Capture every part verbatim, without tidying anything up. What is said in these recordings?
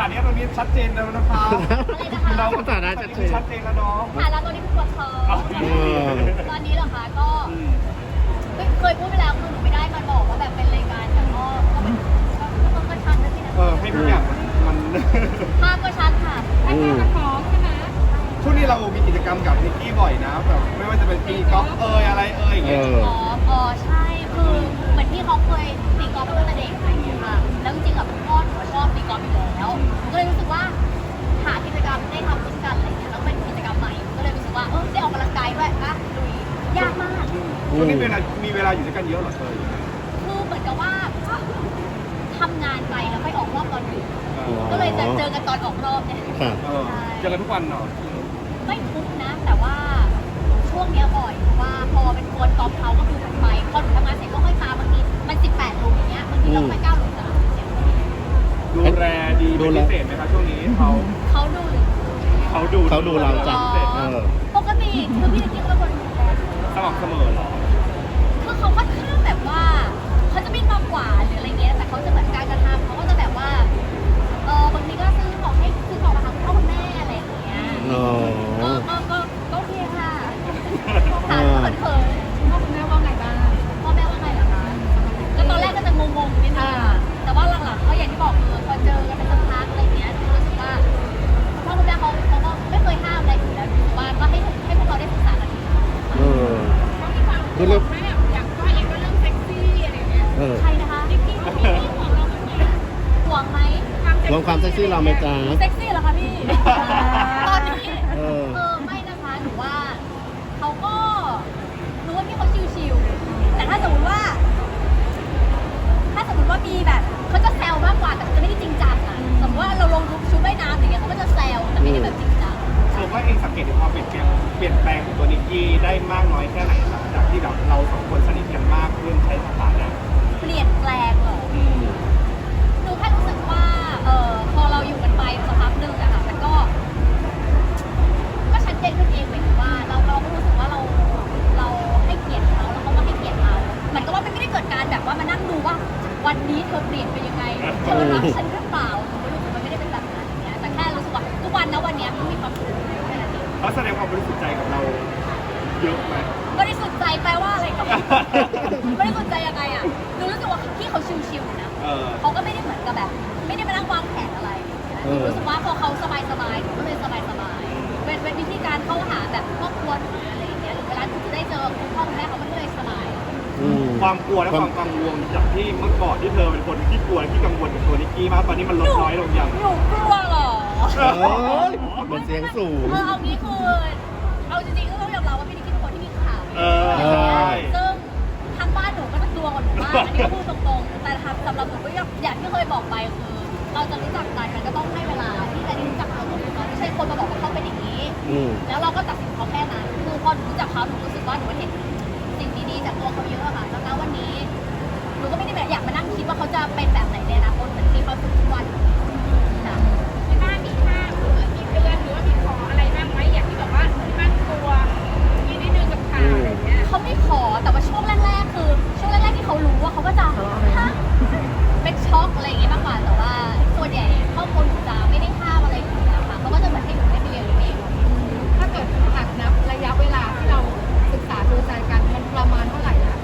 ถานะตรงนี้ชัดเจนแล้วนะครับอะไรนะคะเราสถานะชัดเจนชัดเจนแล้วเนาะค่ะแล้วตอนนี้ปวดท้องตอนนี้เหรอคะก็เคยพูดไปแล้วคือหนูไม่ได้มาบอกว่าแบบเป็นรายการแต่ก็ก็เป็นก็ต้องกระชับด้วยสินะเออให้ทุกอย่างมันภาพก็ชัดค่ะแค่กระท้องใช่ไหมช่วงนี้เรามีกิจกรรมกับนิกกี้บ่อยนะแบบไม่ว่าจะเป็นตีกอล์ฟเอยอะไรเอยอย่างเงี้ยอ๋ออ๋อใช่คือเหมือนที่เขาเคยตีกอล์ฟตั้งแต่เด็กอะไรอย่างเงี้ยค่ะแล้วจริงๆกับพ่อหนูชอบตีกอล์ฟอยู่แล้วก็เลยรู้สึกว่าหากิจกรรมได้ทำร่วมกันอะไรอย่างเงี้ยแล้วเป็นกิจกรรมใหม่ก็เลยรู้สึกว่าเออได้ออกกำลังกายด้วยอะลุยยากมากช่วงนี้เวลามีเวลาอยู่ด้วยกันเยอะเหรอเธอคือเหมือนกับว่าทำงานไปแล้วไปออกรอบตอนดึกก็เลยจะเจอกันตอนออกรอบเนี่ยเออเจอกันทุกวันเนาะไม่ทุกนะ แต่ว่าช่วงเนี้ยบ่อยเพราะว่าพอเป็นโค้ชกอล์ฟเขาก็คือถัดไปพอหนูทำงานเสร็จก็ค่อยมาบางทีมันสิบแปดหลุมอย่างเงี้ยบางทีเราไปเก้าหลุมแต่ละเสียงดูแลดีเป็นพิเศษไหมคะช่วงนี้เขาเขาดูหรือเขาดูเขาดูเราจ้ะเออปกติคือพี่จิ๊กเป็นคนดูแลสม่ำเสมอเหรอคือเขาค่อนข้างแบบว่าเขาจะไม่มากกว่าหรืออะไรเงี้ยแต่เขาจะเหมือนการกระทำเขาก็จะแบบว่าเออบางทีก็ซื้อของให้ซื้อของมาทำคุณพ่อคุณแม่อะไรอย่างเงี้ยอ๋อก็ก็ก็ก็โอเคค่ะค่ะเขินเขินพ่อคุณแม่ว่าไงบ้างพ่อแม่ว่าไงเหรอคะก็ตอนแรกก็จะงงๆนิดนึงแต่ว่าหลังๆก็อย่างที่บอกคือพอเจอกันเป็นสักพักอะไรเงี้ยรู้สึกว่าพ่อคุณแม่เขาเขาก็ไม่เคยห้ามอะไรอยู่แล้วรู้สึกว่าก็ให้ให้พวกเราได้ศึกษากันเออเขามีความคือเรื่องแม่อย่างก้อยเองก็เรื่องเซ็กซี่อะไรเงี้ยเออใครนะคะนิกกี้เขามีที่ห่วงเราไหมห่วงไหมรวมความเซ็กซี่เราไหมจ๊ะเซ็กซี่เหรอคะพี่ ตอนนี้เออเออไม่นะคะหนูว่าเขาก็รู้ว่าพี่เขาชิวๆแต่ถ้าสมมติว่า ถ้าสมมติว่ามีแบบเขาจะแซวมากกว่าแต่จะไม่ได้จริงจังอะสมมติว่าเราลงชุดว่ายน้ำอย่างเงี้ยเขาก็จะแซวแต่ไม่ได้แบบจริงจังเธอว่าเองสังเกตถึงความเปลี่ยนแปลงเปลี่ยนแปลงของตัวนิกกี้ได้มากน้อยแค่ไหนหลังจากที่แบบเราสองคนสนิทกันมากขึ้นใช้สถานะเปลี่ยนแปลงเหรอหนูแค่รู้สึกว่าเออพอเราอยู่กันไปสักพักหนึ่งอะค่ะมันก็ ก็ชัดเจนขึ้นเองเหมือนว่าเราเราก็รู้สึกว่าเราเราให้เกียรติเขาแล้วเขาก็ให้เกียรติเราเหมือนกับว่ามันไม่ได้เกิดการแบบว่ามานั่งดูว่า วันนี้เธอเปลี่ยนไปยังไงเธอรักฉันหรือเปล่าหนูไม่รู้สึกมันไม่ได้เป็นแบบนั้นอย่างเงี้ยแต่แค่รู้สึกว่าทุกวันนะวันเนี้ยมันมีความสุขแค่นั้นเองเขาแสดงความบริสุทธิ์ใจกับเราเยอะไหมบริสุทธิ์ใจแปลว่าอะไรกับบริสุทธิ์ใจยังไงอ่ะหนูรู้สึกว่าพี่เขาชิวๆนะเออเขาก็ไม่ได้เหมือนกับแบบ ไม่ได้มานั่งวางแผนอะไรหนูรู้สึกว่าพอเขาสบายๆหนูก็เลยสบายๆเป็นเป็นวิธีการเข้าหาแบบครอบครัวหรืออะไรอย่างเงี้ยหรือเวลาหนูจะได้เจอคุณพ่อคุณแม่เขาก็เลยสบายอืมความกลัวและความกังวลจากที่เมื่อก่อนที่เธอเป็นคนที่กลัวที่กังวลกับตัวนิกกี้มากตอนนี้มันลดน้อยลงยังหนูกลัวเหรอเอ้ยเหมือนเสียงสูงเออเอางี้คือเอาจริงๆก็ต้องยอมรับว่าพี่นิกกี้เป็นคนที่มีข่าวเออใช่ซึ่งทางบ้านหนูก็จะกลัวกว่าหนูมากอันนี้ก็พูดตรงๆแต่สำหรับหนูก็อย่างที่เคยบอกไปคือ เราจะรู้จักกันมันก็ต้องให้เวลาที่จะได้รู้จักเขาตัวเขาไม่ใช่คนมาบอกว่าเขาเป็นอย่างนี้อืมแล้วเราก็ตัดสินเขาแค่นั้นคือพอหนูรู้จักเขาหนูรู้สึกว่าหนูเห็นสิ่งดีๆจากตัวเขาเยอะค่ะแล้วณวันนี้หนูก็ไม่ได้แบบอยากมานั่งคิดว่าเขาจะเป็นแบบไหนในอนาคตเหมือนที่เขาเป็นทุกวันค่ะที่บ้านมีห้ามหรือมีเตือนหรือว่ามีขออะไรบ้างไหมอย่างที่แบบว่าที่บ้านกลัวมีนิดนึงกับข่าวอะไรเงี้ยเขาไม่ขอแต่ว่าช่วงแรกๆคือช่วงแรกๆที่เขารู้ว่าเขาก็จะฮะเป็นช็อกอะไรอย่างเงี้ยมากกว่าแต่ว่าส่วนใหญ่ครอบครัวหนูจะไม่ได้ห้ามอะไรอยู่แล้วค่ะเขาก็จะเหมือนให้หนูได้ไปเรียนรู้เองถ้าเกิดหากนับระยะเวลาที่เราศึกษาดูใจกันมันประมาณเท่าไหร่นะ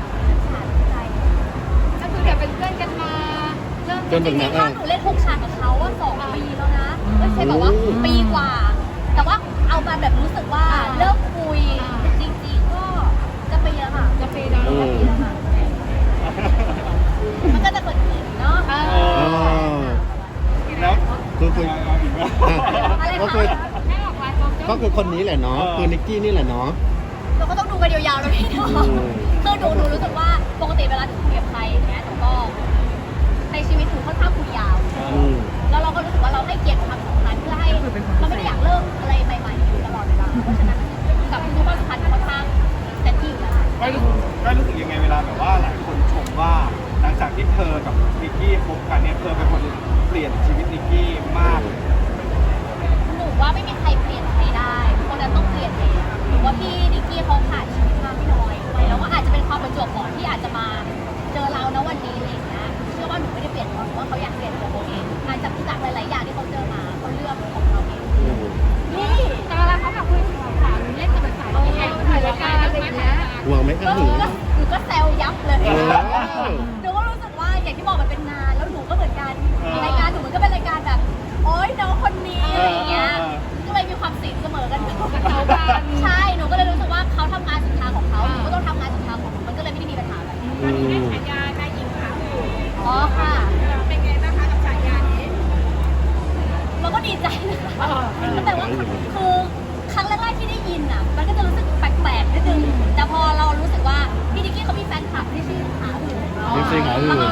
ก็คือเดี๋ยวเป็นเพื่อนกันมาเริ่มจนถึงจไหนริงๆถ้าหนูเล่นทุกฉากกับเขาว่าสองปีแล้วนะไม่ใช่แบบว่าปีกว่า แต่ว่าเอามาแบบรู้สึกว่าเริ่มคุยจริงๆก็จะปีแล้วค่ะจะปีแล้วอืมปีแล้วค่ะมันก็จะเกิดขึ้นเนาะอ่าอ๋อแล้วคือคือเอาอีกแล้วอะไรก็คะคือแม่ออกไลน์กองเจ้าก็คือคนนี้แหละเนาะ คือนิกกี้นี่แหละเนาะเราก็ต้องดูกันยาวๆแล้วพี่เนาะอืมคือหนูหนูรู้สึกว่าปกติเวลาหนูคุยกับใครอย่างเงี้ยหนูก็ในชีวิตหนูค่อนข้างคุยยาวอืมแล้วเราก็รู้สึกว่าเราให้เกียรติความสัมพันธ์เพื่อให้เราไม่ได้อยากเลิกอะไรใหม่ๆอยู่ตลอดเวลาเพราะฉะนั้นกับทุกความสัมพันธ์ค่อนข้างเต็มที่อยู่แล้วไม่รู้ไม่รู้สึกยังไงเวลาแบบว่าหลายคนชมว่าหลังจากที่เธอกับนิกกี้คบกันเนี่ยเธอเป็นคนเปลี่ยนชีวิตนิกกี้มากหนูว่าไม่มีใครเปลี่ยนใครได้คนนั้นต้องเปลี่ยนเองหนูว่าพี่นิกกี้เขาผ่านชีวิตมาไม่น้อยแล้วก็อาจจะเป็นความประจวบเหมาะที่อาจจะมาเจอเราณวันนี้อะไรอย่างเงี้ยเชื่อว่าหนูไม่ได้เปลี่ยนเพราะว่าเขาอยากเปลี่ยนตัวเขาเองสิขาหือแล้วก็